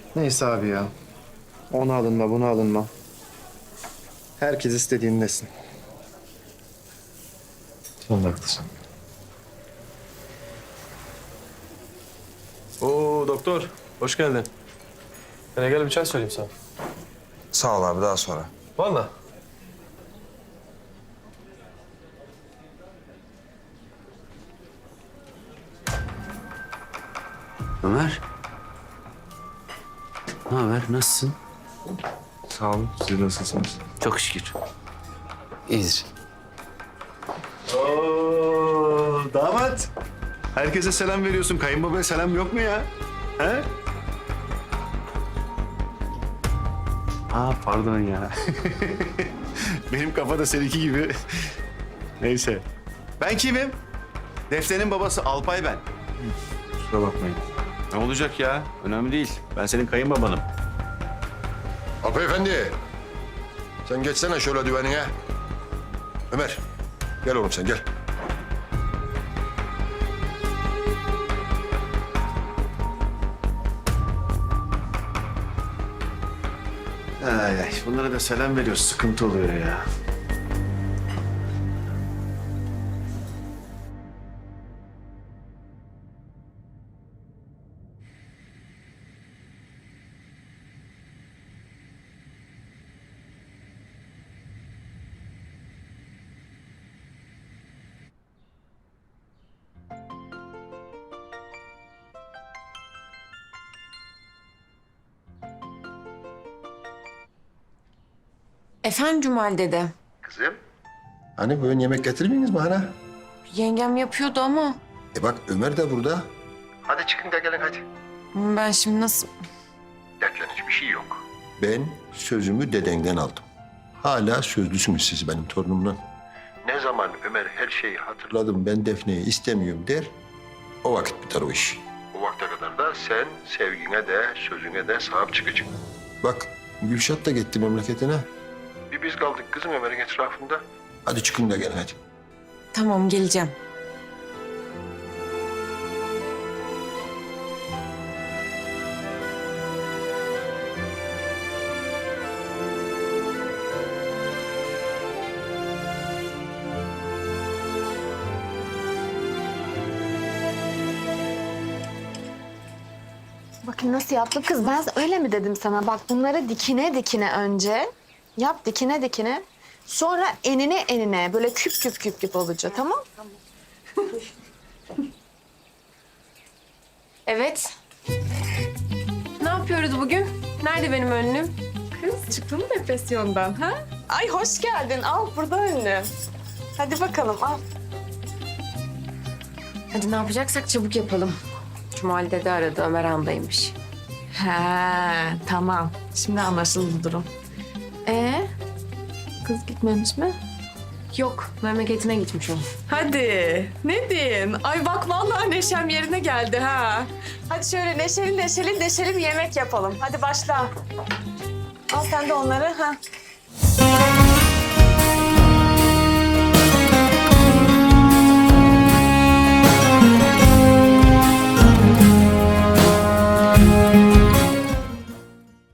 Neyse abi ya. Ona alınma, buna alınma. Herkes istediğini desin. Sen de haklısın. Oo doktor, hoş geldin. Gel bir çay söyleyeyim sana. Sağ ol abi, daha sonra. Vallahi. Ömer. Ne haber? Nasılsın? Sağ olun. Siz nasılsınız? Çok şükür. İyidir. Oo, damat. Herkese selam veriyorsun. Kayınbabaya selam yok mu ya? He? Aa, pardon ya. Benim kafa da seninki gibi. Neyse. Ben kimim? Defne'nin babası Alpay ben. Kusura bakmayın. Ne olacak ya? Önemli değil. Ben senin kayınbabanım. Alpay Efendi. Sen geçsene şöyle düvenine. Ömer. Gel oğlum sen gel. Ay ay, bunlara da selam veriyoruz. Sıkıntı oluyor ya. Efendim Cumali dede. Kızım. Hani bugün yemek getirmeyiniz mi ana? Yengem yapıyordu ama Bak Ömer de burada. Hadi çıkın da gelin hadi. ben şimdi nasıl... Dertlenecek bir şey yok. Ben sözümü dedenden aldım. Hala sözlüsünüz siz benim torunumla. Ne zaman Ömer her şeyi hatırladım, ben Defne'yi istemiyorum der, o vakit biter o iş. O vakte kadar da sen sevgine de sözüne de sahip çıkacaksın. Bak Gülşat da gitti memleketine. Bir biz kaldık kızım Ömer'in etrafında. Hadi çıkın da gelin hadi. Tamam geleceğim. Bakın nasıl yaptım kız. Ben öyle mi dedim sana? Bak bunları dikine dikine önce. Yap dikine dikine. Sonra enine enine böyle küp küp küp küp olacak tamam? Evet. Ne yapıyoruz bugün? Nerede benim önlüğüm? Kız çıktın mı depresyondan ha? Ay hoş geldin. Al burada önlü. Hadi bakalım al. Hadi ne yapacaksak çabuk yapalım. Cumali dede aradı, Ömer Han'daymış. He tamam. Şimdi anlaşıldı durum. Kız gitmemiş mi? Yok, memleketine gitmiş o. Hadi. Ne diyeyim? Ay bak vallahi neşem yerine geldi ha. Hadi şöyle neşeli neşeli neşeli bir yemek yapalım. Hadi başla. Al sen de onları ha.